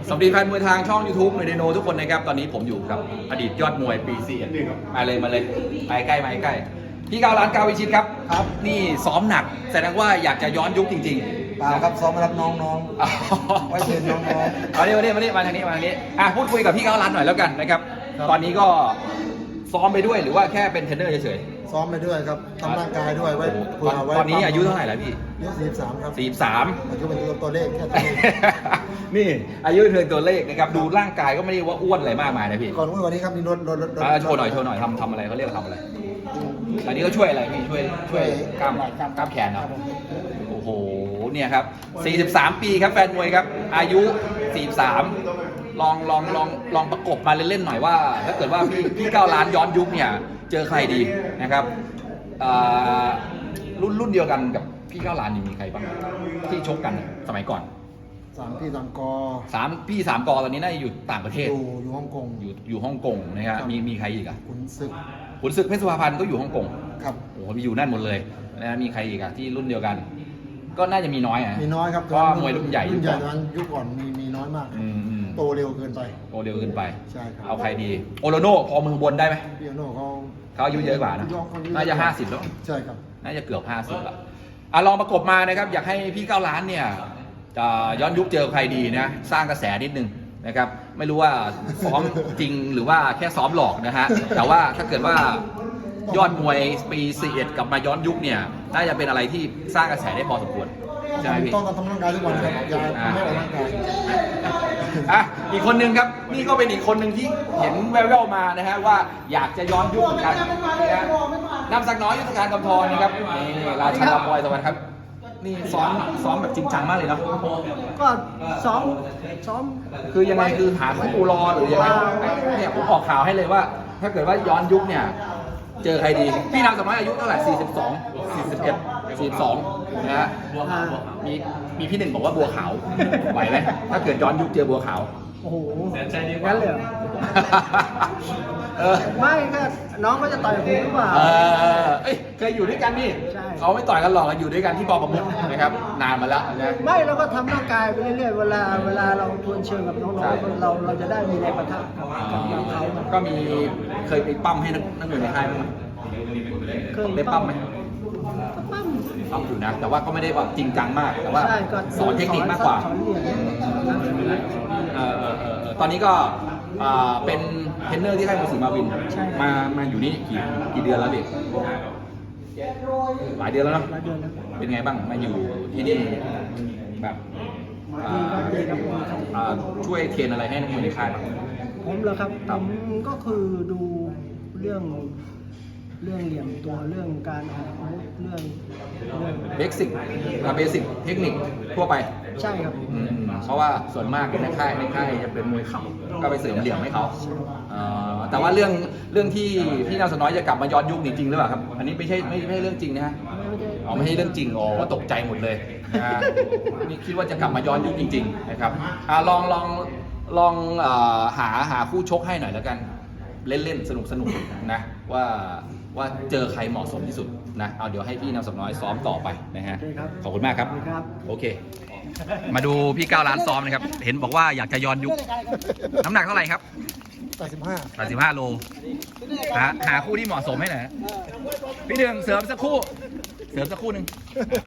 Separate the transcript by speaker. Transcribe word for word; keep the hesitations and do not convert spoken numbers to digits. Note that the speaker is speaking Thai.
Speaker 1: สวัสดีแฟนมวยทางช่อง ยูทูบ หน่วยไดโนทุกคนนะครับตอนนี้ผมอยู่กับอดีตยอดมวยปีสี่มาเลยมาเลยไปใกล้มาใกล้พี่เก้าล้านเก้าวิชิตครับครับนี่ซ้อมหนักแสดงว่าอยากจะย้อนยุคจริงๆ
Speaker 2: เปล่าครับซ้อมมารับน้องๆไว้เชิญน้องๆ
Speaker 1: มาดิมาดิมาดิมาทางนี้มาทางนี้อ่ะพูดคุยกับพี่เก้าล้านหน่อยแล้วกันนะครับตอนนี้ก็ซ้อมไปด้วยหรือว่าแค่เป็นเทรนเนอร์เฉย
Speaker 2: ๆซ้อมไปด้วยครับทำร่างกายด้วยไว้เผื่อไว้
Speaker 1: ตอนนี้อายุเท่าไหร่แล้วพี่
Speaker 2: อายุสี่สิบสามครับ
Speaker 1: สี่สิบสาม
Speaker 2: อายุเป็นตัวเลขแค่ตัวเลข
Speaker 1: นี่อายุเพียงตัวเลขนะครับดูร่างกายก็ไม่ได้ว่าอ้วนอะไรมากมายนะพี่
Speaker 2: ก่อนวันนี้ครับมีรถรถรถ
Speaker 1: โชว์หน่อยโชว์หน่อยทำทำอะไรเขาเรียกทำอะไรอันนี้ก็ช่วยอะไรพี่ช่วยช่วยกล้ามกล้ามแขนเนาะโอ้โหเนี่ยครับสี่สิบสามปีครับแฟนมวยครับอายุสี่สิบสามลองลองลองลองประกบมาเล่นๆหน่อยว่าถ้าเกิดว่าพี่พี่เก้าล้านย้อนยุคเนี่ยเจอใครดีนะครับรุ่นรุ่นเดียวกันกับพี่เก้าล้านมีใครบ้างที่ชกกันสมัยก่อน
Speaker 2: สามพี่สามกอ
Speaker 1: สามพี่สามกอตอนนี้น่าจะอยู่ต่างประเทศ
Speaker 2: อยู่อยู่ฮ่องกง
Speaker 1: อยู่อยู่ฮ่องกงนะครับมีมีใครอีกอ่ะ
Speaker 2: ขุนศึก
Speaker 1: ขุนศึกเพชรสุภาพันธ์ก็อยู่ฮ่องกง
Speaker 2: ครับ
Speaker 1: โอ้โหมีอยู่นั่นหมดเลยนะมีใครอีกอ่ะที่รุ่นเดียวกันก็น่าจะมีน้อยอ่ะ
Speaker 2: มีน้อยครับ
Speaker 1: เพราะมวยรุ่นใหญ่
Speaker 2: รุ่นใหญ่ตอนยุคก่อนมีมีน้อยมากโตเร็วเกินไป
Speaker 1: โตเร็วเกินไป
Speaker 2: ใช่ครับ
Speaker 1: เอาใครดีโอโลโน่พอมือบนได้ไหม
Speaker 2: พี่โอโน่เขา
Speaker 1: เขาอายุเยอะกว่านะน่าจะห้าสิบแล้ว
Speaker 2: ใช่ครับ
Speaker 1: น่าจะเกือบห้าสิบละอ่ะลองประกบมานะครับอยากให้พี่เก้าล้านเนี่ยย้อนยุคเจอใครดีนะสร้างกระแสนิดนึงนะครับไม่รู้ว่าซ้อมจริงหรือว่าแค่ซ้อมหลอกนะฮะแต่ว่าถ้าเกิดว่ายอดมวยปีสี่สิบเอ็ดกลับมาย้อนยุคเนี่ยน่าจะเป็นอะไรที่สร้างกระแสได้พอสมควรใช่ไหมพี่
Speaker 2: ต้องทำร่างกายทุกวันครับอย่าไม่ออกร่างกาย
Speaker 1: อ่ะอีกคนนึงครับนี่ก็เป็นอีกคนหนึ่งที่เห็นแว่วๆมานะฮะว่าอยากจะย้อนยุคกันนะนำสักน้อยยุทธการกำธรนะครับนี่ราชาบอยสวัสดีครับนี่ซ้อมซ้อมแบบจริงจังมากเลยเนาะ
Speaker 3: ก็ซ้อมซ้อม
Speaker 1: คือยังไงคือหาคู่รอหรือยังไงเนี่ยผมออกข่าวให้เลยว่า ถ้าเกิดว่าย้อนยุคเนี่ยเจอใครดีพี่นำสักน้อยอายุเท่าไหร่สี่สิบสอง สี่สิบเอ็ด สี่สิบสองนะฮะมีมีพี่หนึ่งบอกว่าบัวขาวไหวไหมถ้าเกิดย้อนยุคเจอบัวขาว
Speaker 3: โอ้โหงั้นเลย
Speaker 1: เออ
Speaker 3: ไม่ก็น้องก็จะต่อยผมหรือเปล่า
Speaker 1: เออเอ้ยเคยอยู่ด้วยกันนี่เขาไม่ต่อยกันหรอกอยู่ด้วยกันที่ปอประมุขนะครับนานมาแล้วนะ
Speaker 3: ไม่เราก็ทำร่างกายไปเรื่อยๆเวลาเวลาเราทวนเชิงกับน้องๆเราเราจะได้มีแรงประทะกับเขา
Speaker 1: ก็มีเคยไปปั้มให้นักมวยในค่ายมั้ยเคยได้ปั้มไหม
Speaker 3: ปั้ม
Speaker 1: ปั้มอยู่นะแต่ว่าก็ไม่ได้แบบจริงจังมากแต่ว่าสอนเทคนิคมากกว่าตอนนี้ก็เป็นเทรนเนอร์ที่ค่ายมวยศรีมาวินมามาอยู่นี่กี่กี่เดือนแล้วเด็กหลายเดือนแล้วเนาะเป็นไงบ้างมาอยู่ที่นี่แบบช่วยเทรนอะไรให้นักมวยในค่ายบ้าง
Speaker 3: ผมเหรอครับผมก็คือดูเรื่องเรื่องเหลี่ยมตัวเรื่องการออกอาวุธเรื่อง
Speaker 1: เรื่องเบสิกเบสิกเทคนิคทั่วไป
Speaker 3: ใช่ครับ
Speaker 1: เพราะว่าส่วนมากในค่ายในค่ายจะเป็นมวยเข่าก็ไปเสริมเหลี่ยมให้เขาแต่ว่าเรื่องเรื่องที่พี่นำสน้อยจะกลับมาย้อนยุคจริงหรือเปล่าครับอันนี้ไม่ใช่ไม่ใช่เรื่องจริงนะฮะอ๋อไม่ใช่เรื่องจริงอ๋อว่าตกใจหมดเลยนี่คิดว่าจะกลับมาย้อนยุคจริงๆนะครับลองลองลองหาหาคู่ชกให้หน่อยแล้วกันเล่นๆสนุกสนุกนะว่าว่าเจอใครเหมาะสมที่สุดนะเอาเดี๋ยวให้พี่นำสน้อยซ้อมต่อไปนะฮะขอบคุณมากครับโอเคมาดูพี่เก้าล้านซ้อมนะครับเห็นบอกว่าอยากจะย้อนยุคน้ำหนักเท่าไหร่ครับ
Speaker 2: แปดสิบห้า
Speaker 1: แปดสิบห้าโลหาหาคู่ที่เหมาะสมให้หน่อยพี่หนึ่งเสริมสักคู่เสริมสักคู่หนึ่ง